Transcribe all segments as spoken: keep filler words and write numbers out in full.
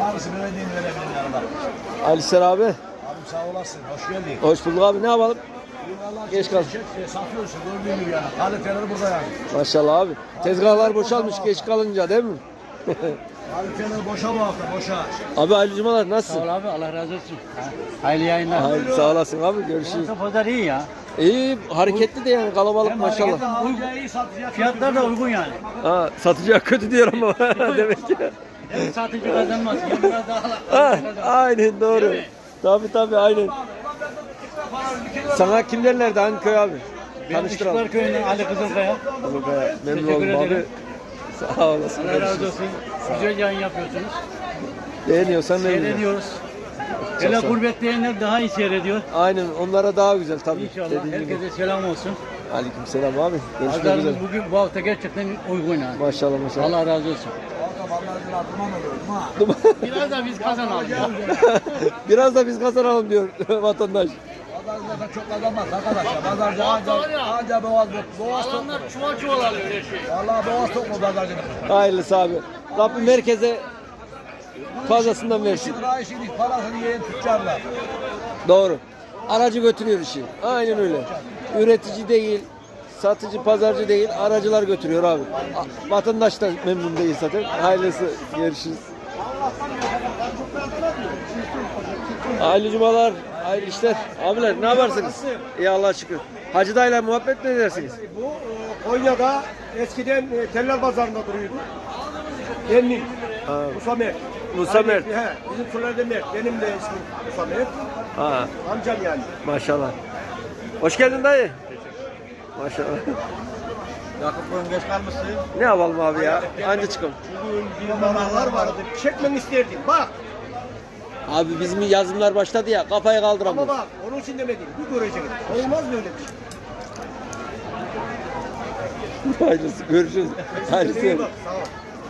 Hangisini verdiğini verebilirim yanında. Alistar abi. Abim sağ olasın. Hoş geldin. Hoş bulduk abi. Ne yapalım? Geç kal. Satıyorsun gördüğün gibi yani. Kaliteleri burada yani. Maşallah abi. Tezgahlar boşalmış geç kalınca değil mi? Kaliteleri boşa bu hafta boşa. Abi hayırlı cumalar nasılsın? Sağ ol abi, Allah razı olsun. Hayırlı yayınlar. Hayır, sağ olasın abi. Görüşürüz. Burası pazar iyi ya. İyi hareketli de yani kalabalık Hem maşallah. Hareketli, iyi satacak. Fiyatlar da uygun yani. Ha, satıcıya kötü diyor ama demek ki. Hem satıcı kazanmaz. Hem biraz daha Ha, kazanır. aynen doğru. Değil mi? Tabii tabii aynen. Sana kim derlerdi hangi köy abi? Ben Tanıştıralım. Işıklar Köyü'nden Ali Kızılkaya. Kızılkaya. Memnun Teşekkür oldum abi. ederim. Sağ olasın. Allah razı olsun. Güzel yayın yapıyorsunuz. Beğeniyorsan memnun. Seyrediyoruz. Çok Hele sağ ol. gurbetleyenler daha iyi seyrediyor. Aynen onlara daha güzel tabii. İnşallah. Dediğin gibi. Herkese selam olsun. Aleykümselam abi. Görüşmek Pazarımız üzere. bugün bu hafta gerçekten uygun yani. Maşallah maşallah. Allah razı olsun. Vallahi duman oluyor. Duman. Biraz da biz kazanalım. Biraz da biz kazanalım diyor vatandaş. Pazarcılardan çok kazanmaz arkadaşlar. Pazarcı anca, anca boğaz, boğaz tok. Adamlar çuval çuval alıyor her şey. Vallahi boğaz tok mu pazarcının? Hayırlısı abi. Rabbim merkeze fazlasından versin. Şimdi daha işin parasını yiyen tüccarlar. Doğru. Aracı götürüyor işi. Aynen öyle. Üretici değil, satıcı, pazarcı değil, aracılar götürüyor abi. A- Vatandaş da memnun değil zaten. Hayırlısı. Görüşürüz. Hayırlı cumalar, hayırlı işler. Abiler ne yaparsınız? İyi Allah'a şükür. Hacı dayıyla muhabbet mi edersiniz? Bu e, Konya'da eskiden e, Teller Pazarı'nda duruyordu. Benim Ha. Musa Mert. Musa Mert. He, bizim Fırlarda Mert. Benim de ismim Musa Mert. Ha, Amcam yani. maşallah. Hoş geldin dayı. Maşallah. Yakup bugün geç kalmışsın. Ne yapalım abi ya? Anca çıkalım. Bugün bir manalar vardı. Çekmeni isterdim. Bak. Abi bizim yazımlar başladı ya kafayı Ama kaldıramıyoruz. bak. Onun için demedim. Bir göreceksin. Olmaz böyle bir şey. Hayırlısı görüşürüz. Hayırlısı. İyi bak. Sağ ol.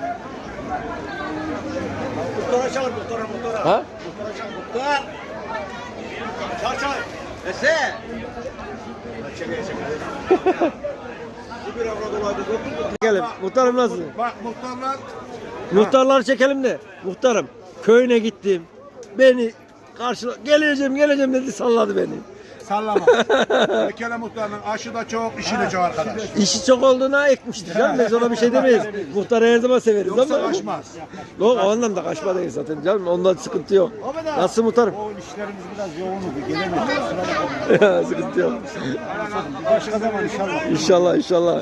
Muhtara çağır. Muhtara. Muhtara. Ha? Muhtara çağır. Muhtar. Çağır çağır. Ese. Çekeye çekeye. Bu bir avrat olaydı. Çekelim. Muhtarım nasıl? Bak muhtarlar. Muhtarları çekelim de. Muhtarım köyüne gittim. Beni karşıla geleceğim geleceğim dedi salladı beni. Sallama. Bir kere muhtarın aşı da çok, işi de çok arkadaş. İşi çok olduğuna ekmiştir canım. Biz ona bir şey demeyiz. Muhtarı her zaman severiz Yoksa ama. kaçmaz. Yok o anlamda kaçma değil zaten canım. Ondan sıkıntı yok. Nasıl muhtarım? O işlerimiz biraz yoğun oldu. Gelemedik. Sıkıntı yok. Başka zaman inşallah. İnşallah inşallah.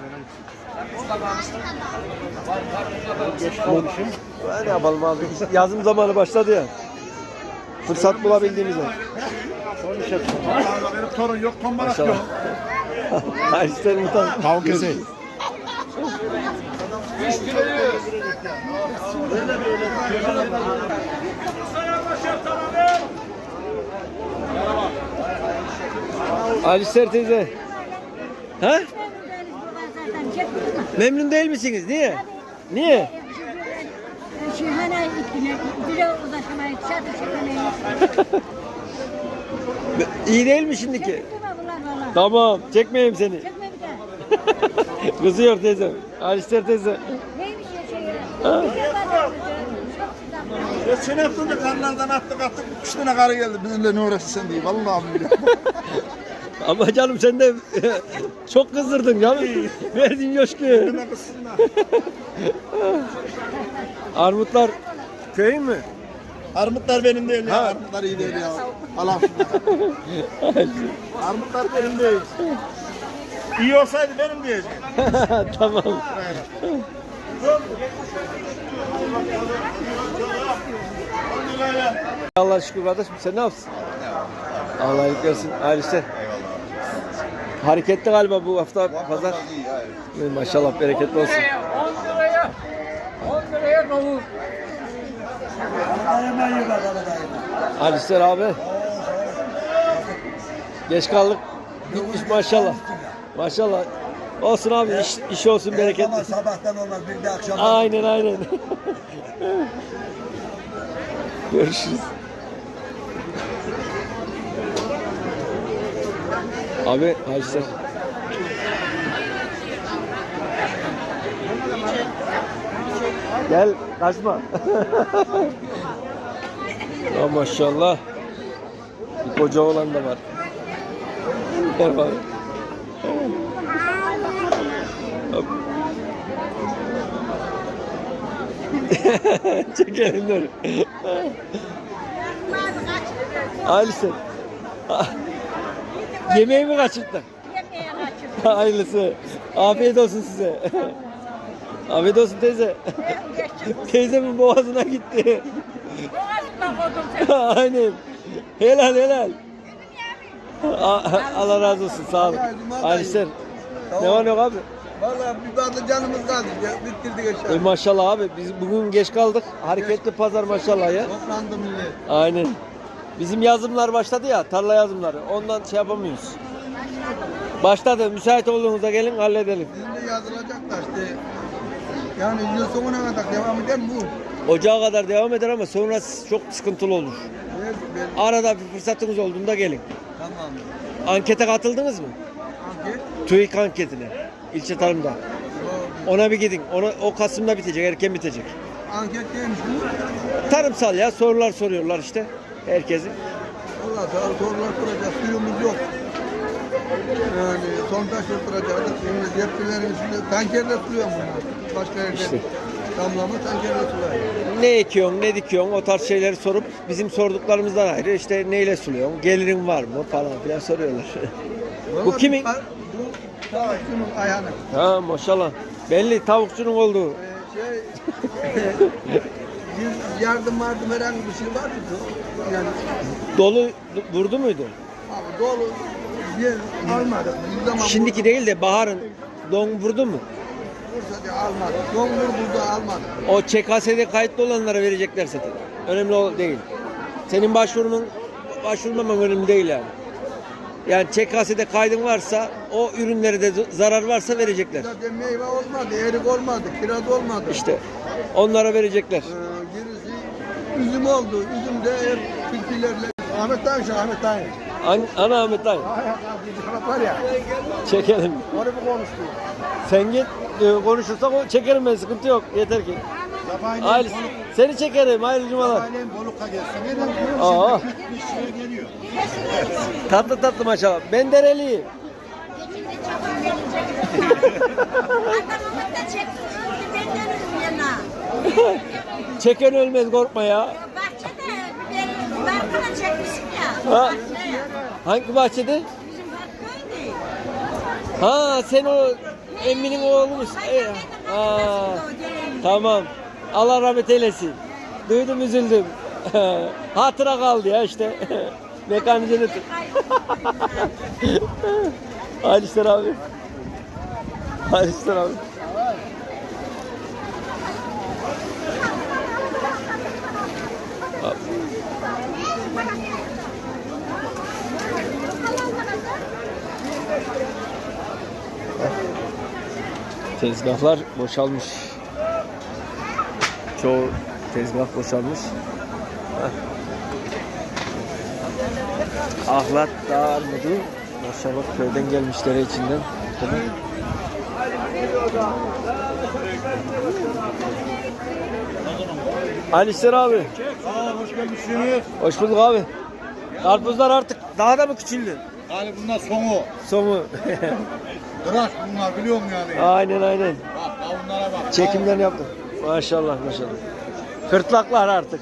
Ne yapalım abi? Yazım zamanı başladı ya. Fırsat bulabildiğimizde. Benim torun yok, tombalak Maşallah. yok. Hayır isterim muhtarım. Tavuk keseyim. Alistar teyze. Ha? Memnun değil misiniz? Niye? Niye? Şihane ikine, bire ulaşamayız, çatı çekemeyiz. İyi değil mi şimdiki? Çekti mi bunlar valla? Tamam, çekmeyeyim seni. Çekme bir daha. Kızıyor teyze. Alistar teyze. Neymiş ya şey ya? Ha? Bir de bana çok güzel. Geçen hafta da karlardan attık attık. Üç tane karı geldi. Bizimle ne uğraşsın diye. Vallahi billahi. Ama canım sen de çok kızdırdın canım. Verdin coşkuyu. Önüme kızsınlar. Armutlar köyün mü? Armutlar benim değil ya. Armutlar iyi değil ya. Allah Armutlar benim değil. İyi olsaydı benim diyeceğim. Tamam. Allah şükür kardeşim sen ne yapsın? Allah iyilik versin. Hayırlı işler. Hareketli galiba bu hafta pazar. Maşallah bereketli olsun. on liraya. on liraya kavur. Hayırlı işler abi. Geç kaldık. Gitmiş maşallah. Maşallah. Olsun abi iş, iş olsun bereketli. Ama sabahtan olmaz bir de akşam. Aynen aynen. Görüşürüz. Abi hayırlı işler. Gel kaçma. Ya maşallah. Bir koca olan da var. Ver bak. Hop. Çekelim dur. Ailesi. Yemeği mi kaçırdın? Yemeğe kaçırdım. Hayırlısı. Afiyet olsun size. Afiyet olsun teyze. Teyzemin boğazına gitti. Boğazından koydum seni. Aynen. Helal helal. A- Allah razı olsun. Sağ olun. Alisler. Ne var ne yok abi? Vallahi bir bardak canımız kaldı. Ya, bitirdik E, aşağı. maşallah abi. Biz bugün geç kaldık. Hareketli pazar maşallah ya. Toplandı millet. Aynen. Bizim yazımlar başladı ya. Tarla yazımları. Ondan şey yapamıyoruz. Başladı. Müsait olduğunuzda gelin halledelim. Bizim de yazılacak da işte. Yani yıl sonuna kadar devam eder mi bu? Ocağa kadar devam eder ama sonrası çok sıkıntılı olur. Evet, ben- Arada bir fırsatınız olduğunda gelin. Tamam. Ankete katıldınız mı? Anket. TÜİK anketine. İlçe tarımda. Yok. Ona bir gidin. Ona, o Kasım'da bitecek. Erken bitecek. Anket neymiş bu? Tarımsal ya. Sorular soruyorlar işte. Herkesin. Allah sağ ol, sorular soracak. Suyumuz yok. Yani sondaj oturacaktık. Şimdi yetkilerin içinde tankerle suluyor bunlar. Başka yerden İşte. damlama tankerle suluyor. Ne ekiyorsun, ne dikiyorsun o tarz şeyleri sorup bizim sorduklarımızdan ayrı işte neyle suluyorsun, gelirin var mı falan filan soruyorlar. Vallahi kimin? Bu bu tavukçunun ayağını. Ha maşallah. Belli tavukçunun olduğu. Ee, şey bir yardım vardı herhangi bir şey var mıydı? Yani Dolu vurdu muydu? abi dolu bir almadı. Bir zaman Şimdiki değil de baharın don vurdu mu? Bursa diye almadı. Don vurdu almadı. O Ç K S'de kayıtlı olanlara verecekler zaten. Önemli o değil. Senin başvurunun başvurmaman önemli değil yani. Yani Ç K S'de kaydın varsa o ürünlere de zarar varsa verecekler. Zaten meyve olmadı, erik olmadı, kiraz olmadı. İşte onlara verecekler. Ee, gerisi üzüm oldu. Üzüm de hep tilkilerle. Ahmet Tayyip, Ahmet Tayyip. An Ana Ahmet dayı. Var ya, Çekelim. onu bir konuştu. Sen git e, konuşursak o çekerim ben sıkıntı yok yeter ki. Aile, seni çekerim hayırlı cumalar. Ailem Boluk'a gelsin. Neden? Aa, Bir şeye geliyor. tatlı tatlı maşallah. Ben dereliyim. Adamımı da çekti. Öldü benden yana. Çeken ölmez korkma ya. Bahçede biberini barkına çekmişsin ya. Ha. Bahçeye. Hangi bahçede? Bizim barkıydı. Ha sen o emminin oğlu musun? Ee, Aa, tamam. Allah rahmet eylesin. Duydum üzüldüm. Hatıra kaldı ya işte. Mekanicini tut. Alisler abi. Alisler abi. Tezgahlar boşalmış. Çoğu tezgah boşalmış. Heh. Ahlat Dağ Armudu. Maşallah köyden gelmişler içinden. Alisler abi. Aa, hoş gelmişsiniz. Hoş bulduk abi. Karpuzlar artık daha da mı küçüldü? Yani bunlar sonu. Sonu. Tıraş bunlar biliyor musun yani? Aynen aynen. Bak kavunlara bak. Çekimlerini yaptım. Maşallah maşallah. Kırtlaklar artık.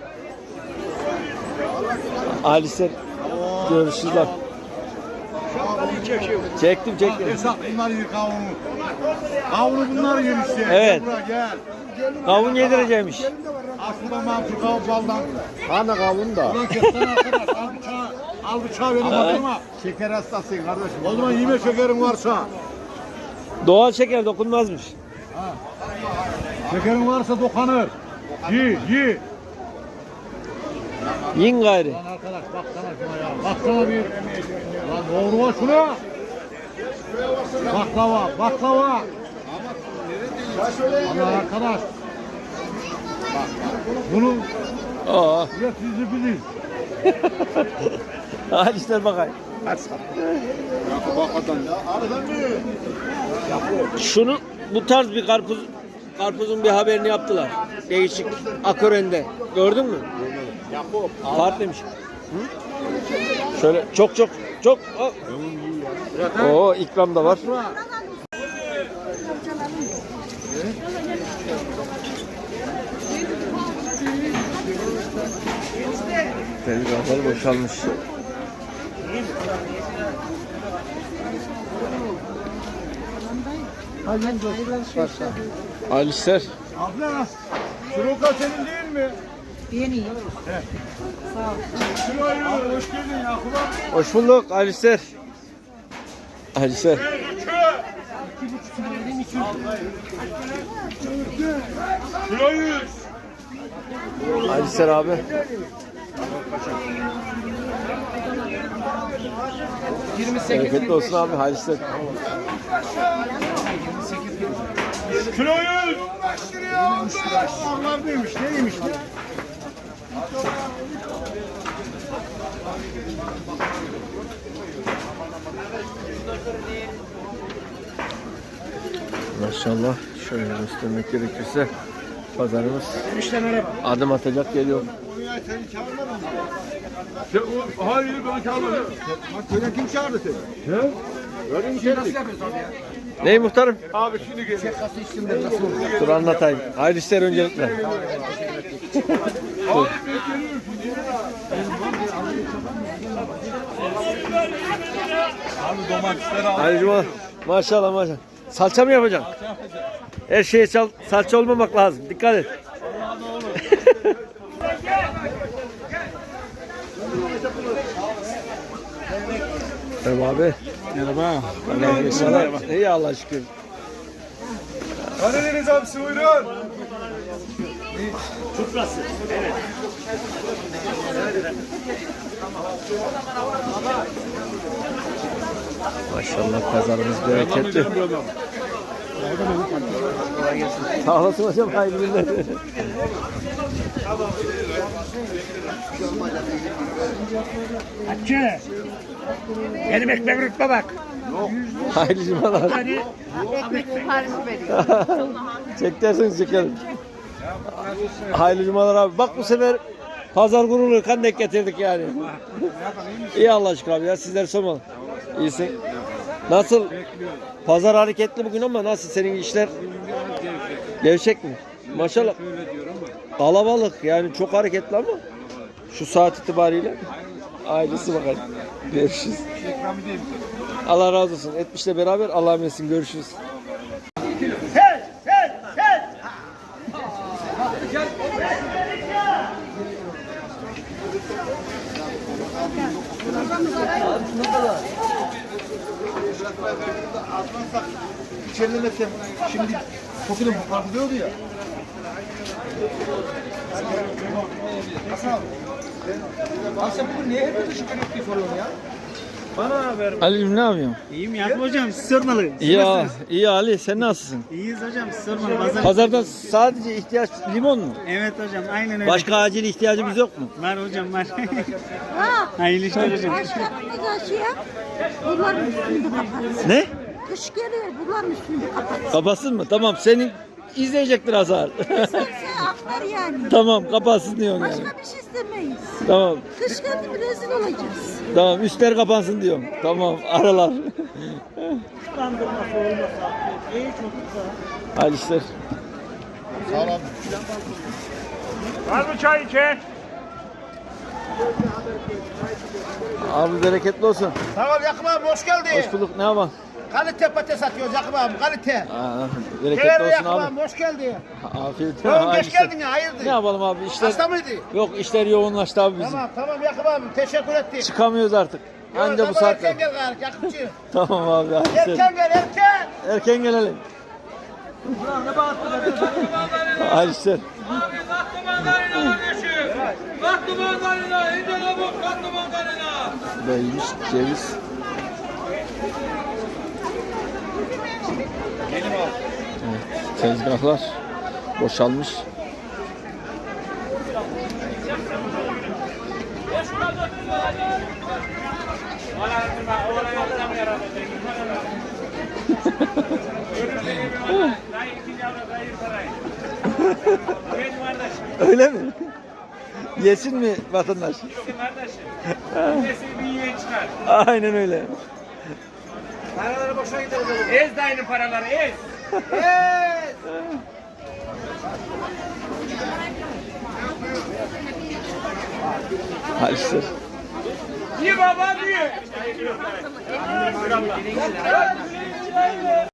Alisler görüşürüz lan. Çektim çektim. Esat bunlar yer kavunu. Kavunu bunlar yer işte. Evet. Gel buraya gel. Kavun yedireceğimiş. Aslında mahsul kavun baldan. Hani kavun da. Ulan kestane arkadaş al bıçağı. Al bıçağı benim atıma. Şeker hastasıyım kardeşim. O zaman yeme şekerin varsa. Doğal şeker dokunmazmış. Şekerin varsa dokanır. Yi yi. Yin gayri. Lan arkadaş baksana şuna ya. Baksana bir. Lan doğru var şuna. Baklava, baklava. Allah arkadaş. Bak, bunun Aa. üreticisi bilir. Alisler bakayım. Şunu bu tarz bir karpuz karpuzun bir haberini yaptılar. Değişik. Akorende. Gördün mü? Farklıymış. Hı? Şöyle çok çok çok. Oh. Oo ikram da var. Tezgahlar boşalmış. Alisler. Abla, şu roka senin değil mi? Benim. Şuraya hoş geldin Yakup abi. Hoş bulduk Alisler. Alisler. Şurayı. Alisler abi. Bereketli olsun abi Alisler. Şurayı. Allah neymiş, neymiş? Maşallah şöyle göstermek gerekirse pazarımız adım atacak geliyor. Seni çağırmadım mı? Hayır beni çağırmadı. Bak seni kim çağırdı seni? He? Öyle bir şey nasıl yapıyorsun abi ya? Ney muhtarım? Abi şimdi geliyor. Dur anlatayım. Hayırlı işler öncelikle. Dur. Hayırlı cuma. Maşallah maşallah. Salça mı yapacaksın? Her şeye sal salça olmamak lazım. Dikkat et. Merhaba abi. Merhaba. Merhaba. İyi Allah'a şükür. Karadeniz abisi buyurun. Maşallah pazarımız bereketli. Sağ olasın hocam. Hayırlı günler. Hacı. Benim ekmek rütbe bak. Hayırlı cumalar. Ekmek siparişi veriyor. Çek derseniz çekelim. Hayırlı cumalar abi. Bak bu sefer pazar gururlu kan denk getirdik yani. İyi Allah aşkına abi ya. Sizler sormalı. İyisin. Nasıl? Pazar hareketli bugün ama nasıl senin işler? Gevşek mi? Maşallah. Kalabalık yani çok hareketli ama şu saat itibariyle ailesi bakalım. Görüşürüz. Allah razı olsun. Etmişle beraber Allah'a emanet. Görüşürüz. İçerilemesem şimdi kokulun parlıyordu ya. Hasan abi. Abi sen bugün niye hep dışı kırık soruyorsun ya? Bana haber. Ali'cim ne yapıyorsun? İyiyim Yakup hocam, siz sormalı. İyi, ya, iyi Ali sen nasılsın? İyiyiz hocam, siz sormalı. Pazar... Pazarda sadece ihtiyaç limon mu? Evet hocam, aynen öyle. Başka acil ihtiyacımız yok mu? Var hocam, var. Ha. Hayırlı işler hocam. Başkanımız aşıya. Bunların üstünde kapatsın. Ne? Kış geliyor. Bunların üstünde kapatsın. Kapatsın mı? Tamam senin izleyecektir Hazar. Sen aktar yani. Tamam kapatsın diyorsun yani. Başka bir şey istemeyiz. Tamam. Kış geldi mi rezil olacağız. Tamam üstler kapansın diyorum. Tamam aralar. Hayırlı işler. Var mı çay içe? Abi bereketli olsun. Tamam Yakup abi hoş geldin. Hoş bulduk. Ne yapalım? Kalite patates satıyoruz Yakup abi kalite. Aa, bereketli Severim olsun Yakup abi. abi hoş geldin. Afiyet olsun. Tamam Hayırlı geç işler. geldin ya hayırdır? Ne yapalım abi işler? Hasta mıydı? Yok işler yoğunlaştı abi bizim. Tamam tamam Yakup abi teşekkür ettik. Çıkamıyoruz artık. Anca bu Tamam, saatte. erken gel gari Yakupçı. Tamam abi. Hayırlı işler. Erken gel erken. Erken gelelim. Hayırlı işler. Beymiş, ceviz. Evet, tezgahlar boşalmış. Benim kardeşim. Öyle mi? Yesin mi vatandaş? Bizim kardeşim. Nesi bir yiyen çıkar. Aynen öyle. Paraları boşuna gider o zaman. Ez dayının paraları ez. Hadi işte. Ye baba diye.